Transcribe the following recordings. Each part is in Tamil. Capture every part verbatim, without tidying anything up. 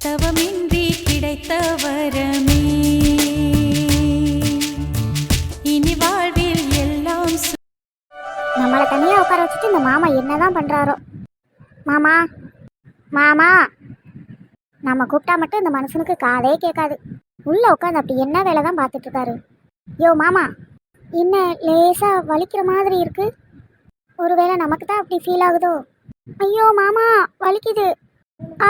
தவமின்றி கிடைத்த வரமே இனி வாழ்வில் எல்லாம் சு- நம்மளை தனியாக உட்கார வச்சுட்டு இந்த மாமா என்னதான் பண்ணுறாரோ. மாமா மாமா நம்ம கூப்பிட்டா மட்டும் இந்த மனுஷனுக்கு காதே கேட்காது. உள்ளே உட்காந்து அப்படி என்ன வேலை தான் பார்த்துட்டு இருக்காரு. யோ மாமா, என்ன லேசாக வலிக்கிற மாதிரி இருக்கு. ஒருவேளை நமக்கு தான் அப்படி ஃபீல் ஆகுதோ. ஐயோ மாமா வலிக்குது. ஆ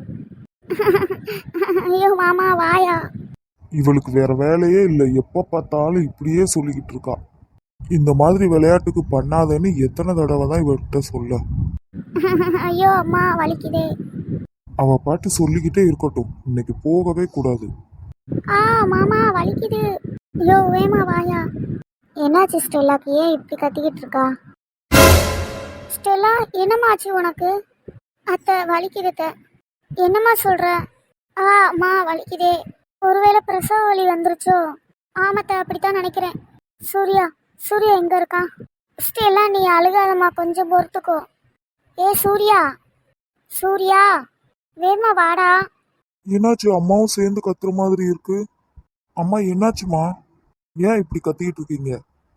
ஐயோ மாமா வாயா. இவளுக்கு வேற வேலையே இல்லை, எப்ப பார்த்தாலும் இப்படியே சொல்லிக்கிட்டு இருக்கா. இந்த மாதிரி விளையாட்டுக்கு பண்ணாதேன்னு எத்தனை தடவை தான் இவர்கிட்ட சொல்ல. ஐயோ அம்மா வலிக்குதே. அவ பாட்டு சொல்லிக்கிட்டே இருக்கட்டும், இன்னைக்கு போகவே கூடாது. ஆ மாமா வலிக்குது. ஐயோ வேமா வாயா. என்னாச்சு ஸ்டெல்லாக்கு, ஏன் இப்படி கத்திக்கிட்டு இருக்கா? ஸ்டெல்லா என்னம்மாச்சு உனக்கு? அத்தை வலிக்குது அத்தை. என்னம்மா சொல்ற? ஆ அம்மா வலிக்குதே. ஒருவேளை பிரசவ வலி வந்துருச்சோ? ஆமாத்த அப்படித்தான் நினைக்கிறேன். சூர்யா சூர்யா எங்க இருக்கான்? ஸ்டெல்லா நீ அழுகாதம்மா, கொஞ்சம் பொறுத்துக்கோ. ஏ சூர்யா சூர்யா வேமா வாடா. என்னாச்சு? அம்மாவும் சேர்ந்து கத்துற மாதிரி இருக்கு. அம்மா என்னாச்சுமா? ஏன் இப்படி கத்திக்கிட்டு இருக்கீங்க?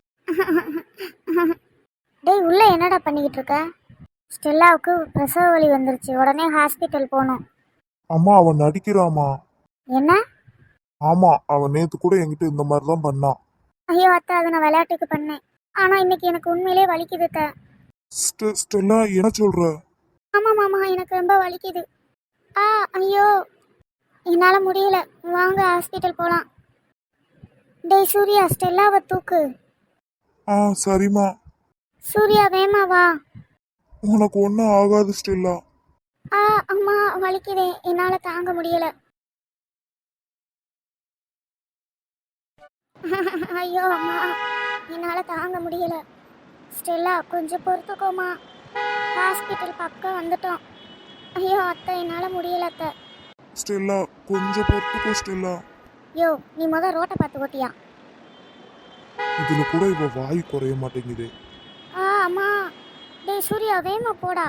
டேய் உள்ள என்னடா பண்ணிக்கிட்டு இருக்க? ஸ்டெல்லாவுக்கு பிரசவ வலி வந்துருச்சு, உடனே ஹாஸ்பிட்டல் போகணும். அம்மா அவன் நடிக்கிறாமா. என்ன? ஆமா, அவன் நேத்து கூட என்கிட்ட இந்த மாதிரி தான் பண்ணான். ஐயோ அத்தை, அதை நான் விளையாட்டுக்கு பண்ணேன். ஆனா இன்னைக்கு எனக்கு உண்மையிலே வலிக்குது அத்தை. ஸ்டெ- ஸ்டெல்லா என்ன சொல்ற? ஆமா மாமா எனக்கு ரொம்ப வலிக்குது. ஆ ஐயோ என்னால முடியல, வாங்க ஹாஸ்பிட்டல் போலாம். டேய் சூர்யா ஸ்டெல்லாவை தூக்கு. ஆ சரிம்மா. சூர்யா வேமா வா. உனக்கு ஒன்றும் ஆகாது ஸ்டெல்லா. ஆ அம்மா வலிக்குதே, என்னால தாங்க முடியல. ஐயோ அம்மா என்னால தாங்க முடியல. ஸ்டெல்லா கொஞ்சம் பொறுத்துக்கோமா, ஹாஸ்பிட்டல் பக்கம் வந்துட்டோம். ஐயோ அத்தை என்னால முடியல அத்தை. ஸ்டெல்லா கொஞ்சம் பொறுத்துக்கோ ஸ்டெல்லா. யோ நீ முத ரோட்டை பார்த்து ஓட்டியா. இதுல கூட இவ வாய் குறைய மாட்டேங்குது. ஆ அம்மா. டேய் சூர்யா வேகமா போடா.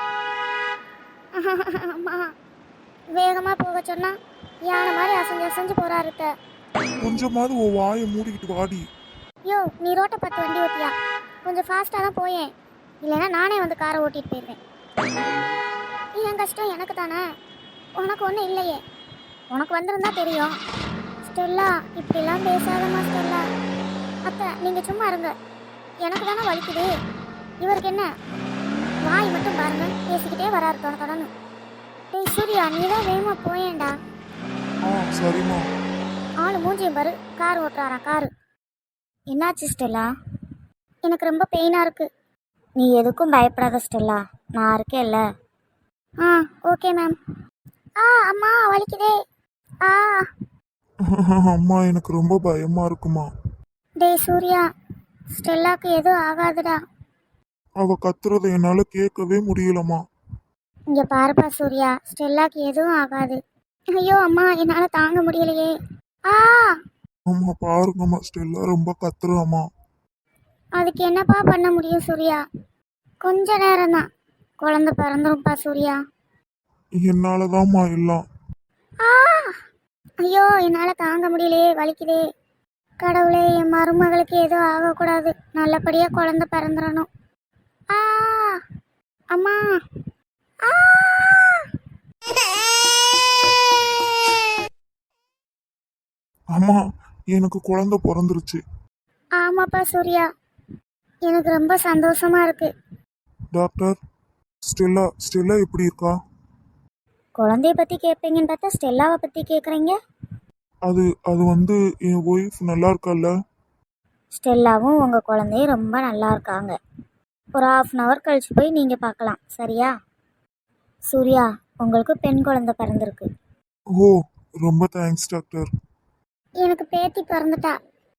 அம்மா வேகமா போக சொன்னா யானை மாதிரி அசைஞ்சு அசைஞ்சு போறாரு அத்தை. கொஞ்சமாவது உன் வாயை மூடிக்கிட்டு வாடி. யோ நீ ரோட்டை பார்த்து வண்டி ஓட்டியா, கொஞ்சம் ஃபாஸ்ட்டாக தான் போயேன், இல்லைன்னா நானே வந்து காரை ஓட்டிட்டு போயிடுவேன். என் கஷ்டம் எனக்கு தானே, உனக்கு ஒன்றும் இல்லையே. உனக்கு வந்திருந்தா தெரியும். ஸ்டெல்லா இப்படிலாம் பேசாதம்மா ஸ்டெல்லா. அத்தை நீங்கள் சும்மா இருங்க, எனக்கு தானே வலிக்குது. இவருக்கு என்ன வாய் மட்டும் பாருங்க, பேசிக்கிட்டே வராரு தொட தொடன்னு. டேய் சூர்யா நீ தான் வேகமாக போயேன்டா. ஆ சரிம்மா. ஆளு மூஞ்சியும் பாரு, கார் ஓட்டுறாரா காரு. என்னாச்சு ஸ்டெல்லா? எனக்கு ரொம்ப பெயினாக இருக்கு. நீ எதுக்கும் பயப்படாத ஸ்டெல்லா, நான் இருக்கேன்ல. ஆ ஓகே மேம். ஆ அம்மா வலிக்குதே. ஆ அம்மா எனக்கு ரொம்ப பயமா இருக்குமா. டேய் சூர்யா ஸ்டெல்லாக்கு எதுவும் ஆகாதுடா. அவ கத்துறத என்னால கேட்கவே முடியலம்மா. இங்கே பாருப்பா சூர்யா, ஸ்டெல்லாக்கு எதுவும் ஆகாது. ஐயோ அம்மா என்னால் தாங்க முடியலையே. ஆ அம்மா பாருங்கம்மா, ஸ்டெல்லா ரொம்ப கத்துறாம்மா. அதுக்கு என்னப்பா பண்ண முடியும் சூர்யா? கொஞ்ச நேரம் தான், குழந்தை பிறந்துரும்ப்பா சூர்யா. என்னாலதாம்மா எல்லாம். ஆ ஐயோ என்னால் தாங்க முடியலையே, வலிக்குதே. கடவுளே என் மருமகளுக்கு எதுவும் ஆகக்கூடாது, நல்லபடியாக குழந்தை பிறந்துடணும். ஆ அம்மா. ஆ அம்மா எனக்கு குழந்தை பிறந்துருச்சு. ஆமாப்பா சூர்யா, எனக்கு ரொம்ப சந்தோஷமா இருக்கு. டாக்டர், ஸ்டெல்லா ஸ்டெல்லா எப்படி இருக்கா? குழந்தைய பற்றி கேட்பீங்கன்னு பார்த்தா ஸ்டெல்லாவை பற்றி கேட்குறீங்க. அது அது வந்து என் ஒய்ஃப் நல்லா இருக்கால்ல. ஸ்டெல்லாவும் உங்கள் குழந்தையும் ரொம்ப நல்லா இருக்காங்க. ஒரு ஆஃப் அன் ஹவர் கழிச்சு போய் நீங்கள் பார்க்கலாம், சரியா? சூர்யா உங்களுக்கு பெண் குழந்தை பிறந்திருக்கு. ஓ ரொம்ப தேங்க்ஸ் டாக்டர். எனக்கு பேத்தி பிறந்துட்டா.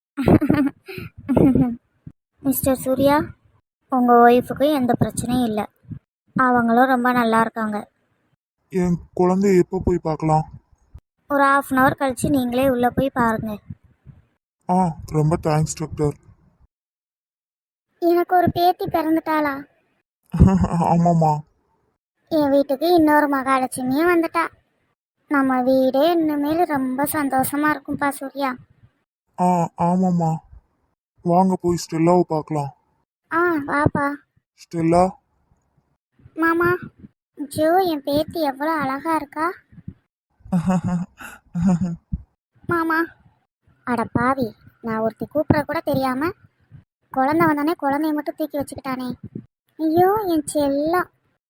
மிஸ்டர் சூர்யா, உங்கள் ஒய்ஃபுக்கும் எந்த பிரச்சனையும் இல்லை, அவங்களும் ரொம்ப நல்லா இருக்காங்க. என் குழந்தைய எப்போ போய் பார்க்கலாம்? ஒரு ஆஃப் அன் ஹவர் கழிச்சு நீங்களே உள்ளே போய் பாருங்கள். ஆ ரொம்ப தேங்க்ஸ் டாக்டர். எனக்கு ஒரு பேத்தி பிறந்துட்டாளா? ஆமாம்மா. என் வீட்டுக்கு இன்னொரு மகாலட்சுமியும் வந்துட்டா. நம்ம வீடே இனிமேல் ரொம்ப சந்தோஷமா இருக்கும்பா சூர்யா. ஆ ஆமாம்மா, வாங்க போய் ஸ்டெல்லாவை பார்க்கலாம். ஆ வாப்பா. ஸ்டெல்லா. மாமா, ஜோ என் பேத்தி எவ்வளோ அழகா இருக்கா மாமா. அட பாவி, நான் ஒருத்தி கூப்பிட கூட தெரியாம குழந்தை வந்தானே குழந்தைய மட்டும் தூக்கி வச்சுக்கிட்டானே. ஐயோ என் செல்லம்.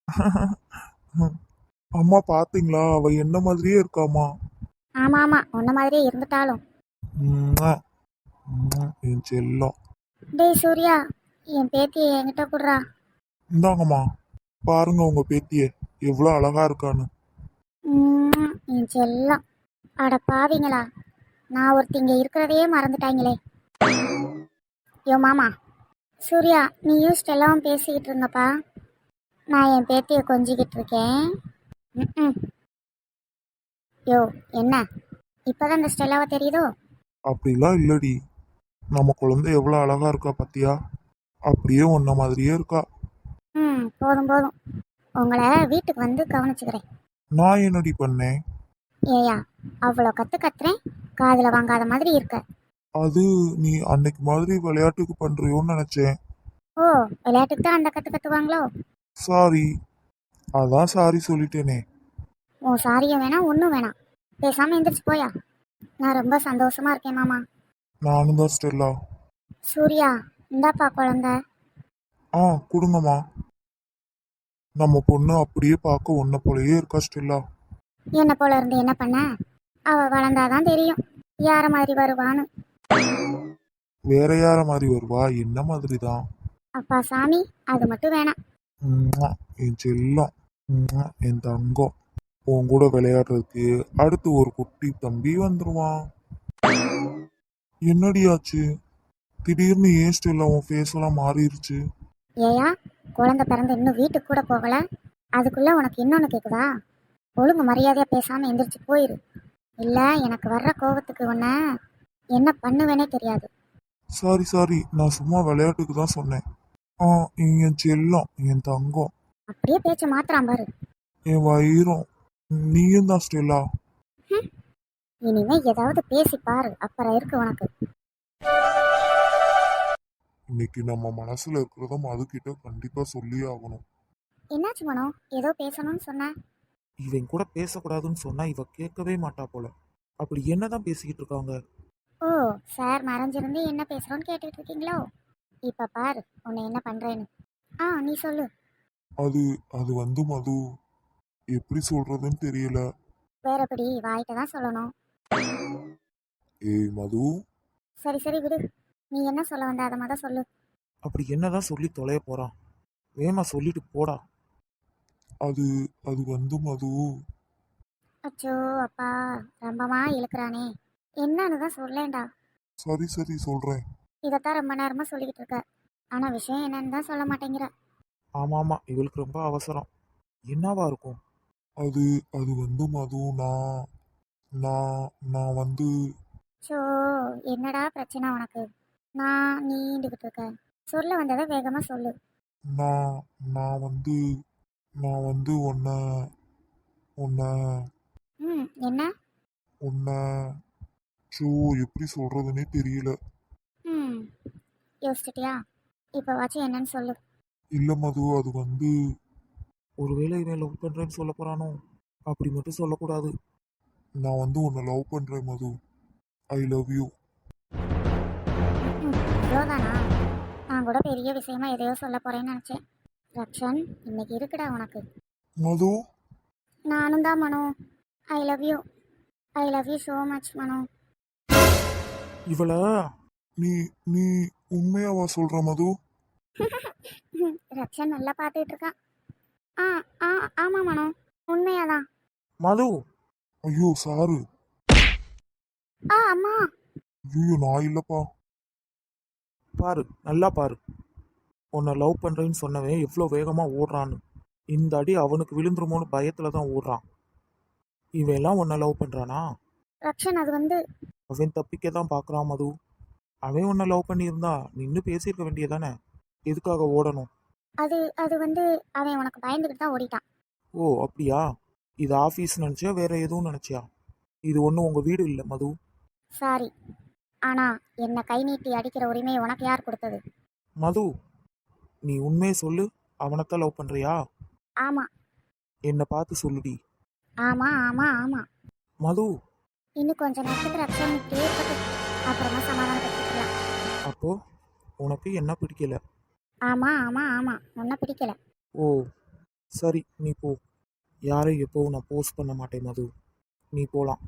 அம்மா பாத்தீங்களா, அவ என்ன மாதிரியே இருக்காமா. ஆமா ஆமா, உன்ன மாதிரியே இருந்துட்டாலும். உம்மா, உம்மா, என் செல்லம். டேய் சூர்யா, என் பேத்தியை என்கிட்ட கொடுறா. இந்தாங்கம்மா, பாருங்க உங்க பேத்திய எவ்வளோ அழகா இருக்கான்னு. உம், என் செல்லம். அட பாவிங்களா, நான் ஒருத்தி இங்க இருக்கிறதையே மறந்துட்டாங்களே. யோ மாமா. சூர்யா, நீயும் ஸ்டெல்லாவும் பேசிக்கிட்டு இருங்கப்பா. நான் என் பேத்தியை கொஞ்சிக்கிட்டு இருக்கேன். ம் யோ என்ன, இப்போதான் இந்த ஸ்டெல்லாவை தெரியுதோ? அப்படிலாம் இல்லடி, நம்ம குழந்தை எவ்வளோ அழகா இருக்கா பாத்தியா, அப்படியே உன்ன மாதிரியே இருக்கா. ம் போதும் போதும், உங்களை வீட்டுக்கு வந்து கவனிச்சுக்கிறேன். நான் என்னடி பண்ணேன்? ஏயா, அவ்வளோ கற்று கத்துறேன், காதில் வாங்காத மாதிரி இருக்க. அது நீ அன்னைக்கு மாதிரி விளையாட்டுக்கு பண்றியோன்னு நினைச்சேன். ஓ, விளையாட்டுக்கு தான் அந்த கற்று கற்றுவாங்களோ? சாரி, அதான் சாரி சொல்லிட்டேனே. ஓ சாரியும் வேணாம், ஒன்றும் வேணாம், பேசாமல் எந்திரிச்சு போயா. நான் ரொம்ப சந்தோஷமா இருக்கேன் மாமா. நானும் தான் ஸ்டெல்லா. சூர்யா, இந்தாப்பா குழந்தை. ஆ கொடுங்கம்மா. நம்ம பொண்ணு அப்படியே பார்க்க உன்ன போலயே இருக்கா ஸ்டெல்லா. என்ன போல இருந்து என்ன பண்ண? அவ வளர்ந்தாதான் தெரியும் யார மாதிரி வருவான்னு. வேற யார மாதிரி வருவா, என்ன மாதிரி தான். அப்பா சாமி, அது மட்டும் வேணாம். உம்மா, என் செல்லம். உம்மா, என் தங்கம். உன் கூட விளையாடுறதுக்கு அடுத்து ஒரு குட்டி தம்பி வந்துருவான். என்னடியாச்சு, திடீர்னு ஏன் ஸ்டெல்லா உன் ஃபேஸ் எல்லாம் மாறிடுச்சு? ஏயா, குழந்தை பிறந்து இன்னும் வீட்டுக்கு கூட போகல, அதுக்குள்ள உனக்கு இன்னொன்னு கேக்குதா? ஒழுங்கு மரியாதையா பேசாம எந்திரிச்சு போயிரு. இல்ல எனக்கு வர்ற கோபத்துக்கு உன்ன என்ன பண்ணுவேனே தெரியாது. சாரி சாரி, நான் சும்மா விளையாட்டுக்கு தான் சொன்னேன். ஆ என் செல்லம், என் தங்கம். அப்படியே பேச்ச மாத்திரான் பாரு. என் வயிறும். நீயும் தான் ஸ்டெல்லா. ஹம், இனிமே ஏதாவது பேசி பாரு, அப்புறம் இருக்கு உனக்கு. இன்னைக்கு நம்ம மனசுல இருக்கிறத மதுக்கிட்ட கண்டிப்பா சொல்லியே ஆகணும். என்னாச்சு மனோ, ஏதோ பேசணும்னு சொன்ன? இவன் கூட பேசக்கூடாதுன்னு சொன்னா இவ கேட்கவே மாட்டா போல. அப்படி என்னதான் பேசிக்கிட்டு இருக்காங்க? ஓ, சார் மறைஞ்சிருந்து என்ன பேசுறோன்னு கேட்டுட்டு இருக்கீங்களோ? இப்ப பாரு உன்னை என்ன பண்றேன்னு. ஆ நீ சொல்லு. அது அது வந்து மது, எப்படி சொல்றதுன்னு தெரியல. வேறபடி வாய்ட்ட தான் சொல்லணும். ஏய் மது. சரி சரி விடு, நீ என்ன சொல்ல வந்த அதை மொதல் சொல்லு. அப்படி என்னதான் சொல்லி தொலைய போறான்? வேமா சொல்லிட்டு போடா. அது அது வந்து மது. அச்சோ அப்பா, ரொம்பமா இழுக்கிறானே, என்னன்னு தான் சொல்லேன்டா. சரி சரி சொல்றேன். இதைத்தான் ரொம்ப நேரமா சொல்லிக்கிட்டு இருக்க, ஆனா விஷயம் என்னன்னு தான் சொல்ல மாட்டேங்கிற. ஆமா ஆமா, இவளுக்கு ரொம்ப அவசரம். என்னவா இருக்கும்? அது அது வந்து மது, நான் நான் நான் வந்து ஸோ என்னடா பிரச்சனை உனக்கு? நான் நீண்டுகிட்டு இருக்க, சொல்ல வந்ததை வேகமா சொல்லு. நான் நான் வந்து நான் வந்து உன்னை உன்னை ம் என்ன? உன்னை ஷோ எப்படி சொல்றதுன்னே தெரியல. ம் யோசிச்சிட்டியா? இப்போ வாச்சும் என்னன்னு சொல்லு. இல்ல மது, அது வந்து ஒருவேளை இவன் லவ் பண்றேன்னு சொல்ல போறானோ? அப்படி மட்டும் சொல்லக்கூடாது. நான் வந்து உன்னை லவ் பண்றேன் மது. ஐ லவ் யூ. ம் இவ்வளோதானா? நான் கூட பெரிய விஷயமா எதையோ சொல்ல போறேன்னு நினச்சேன். ரக்ஷன், இன்னைக்கு இருக்குடா உனக்கு. மது. நானும் தான் Mano. I love you. I love you so much Mano. இவள நீ நீ உண்மையாவா சொல்ற மது? ரக்ஷன் நல்லா பார்த்துட்டு இருக்கான். ஆ ஆ ஆமாம் மனோ, உண்மையாதான். மது. ஐயோ சாரு. ஆ அம்மா. ஐயோ நான் இல்லப்பா. பாரு, நல்லா பாரு. உன்னை லவ் பண்றேன்னு சொன்னவன் எவ்வளோ வேகமா ஓடுறான்னு. இந்த அடி அவனுக்கு விழுந்துருமோன்னு பயத்துல தான் ஓடுறான். இவன் எல்லாம் உன்னை லவ் பண்றானா? ரக்ஷன், அது வந்து அவன் தப்பிக்க தான் பார்க்குறான் மது. அவன் உன்னை லவ் பண்ணியிருந்தா நின்று பேசியிருக்க வேண்டியதானே? எதுக்காக ஓடணும்? அது அது வந்து அவன் உனக்கு பயந்துக்கிட்டு தான் ஓடிட்டான். ஓ அப்படியா? இது ஆஃபீஸ் நினச்சியா வேற எதுவும் நினச்சியா? இது ஒன்றும் உங்கள் வீடு இல்லை மது. சாரி, ஆனா என்னை கை நீட்டி அடிக்கிற உரிமை உனக்கு யார் கொடுத்தது? மது, நீ உண்மையை சொல்லு. அவனைத்தான் லவ் பண்ணுறியா? ஆமா என்னை பார்த்து சொல்லுடி. ஆமா ஆமா ஆமா. மது, இன்னும் கொஞ்ச நேரத்துக்கு ரக்ஷன் இப்படியே இருக்கட்டும், அப்புறமா சமாதானப்படுத்திக்கலாம். அப்போ உனக்கு என்ன பிடிக்கல? ஆமா ஆமா ஆமா, உன்னை பிடிக்கல. ஓ சரி, நீ போ. யாரையும் எப்போவும் நான் போஸ்ட் பண்ண மாட்டேன் மது. நீ போகலாம்.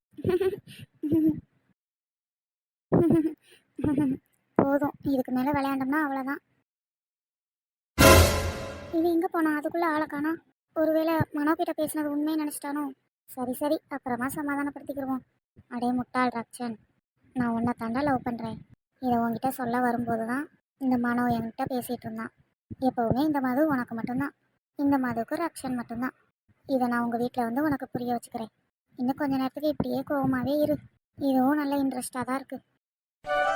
போதும், இதுக்கு மேல விளையாண்டோம்னா அவ்வளோதான். இவன் எங்க போனா? அதுக்குள்ள ஆளை காணா. ஒருவேளை மனோ கிட்ட பேசினது உண்மையை நினைச்சிட்டானோ? சரி சரி, அப்புறமா சமாதானப்படுத்திக்கிடுவோம். அடே முட்டாள் ரக்ஷன், நான் உன்னை தாண்டா லவ் பண்றேன். இதை உன்கிட்ட சொல்ல வரும்போது தான் இந்த மனோ என்கிட்ட பேசிட்டு இருந்தான். எப்பவுமே இந்த மது உனக்கு மட்டும்தான், இந்த மதுவுக்கு ரக்ஷன் மட்டும்தான். இதை நான் உங்க வீட்டில் வந்து உனக்கு புரிய வச்சுக்கிறேன். இன்னும் கொஞ்ச நேரத்துக்கு இப்படியே கோவமாவே இரு. இதுவும் நல்ல இன்ட்ரெஸ்டாக தான் இருக்கு.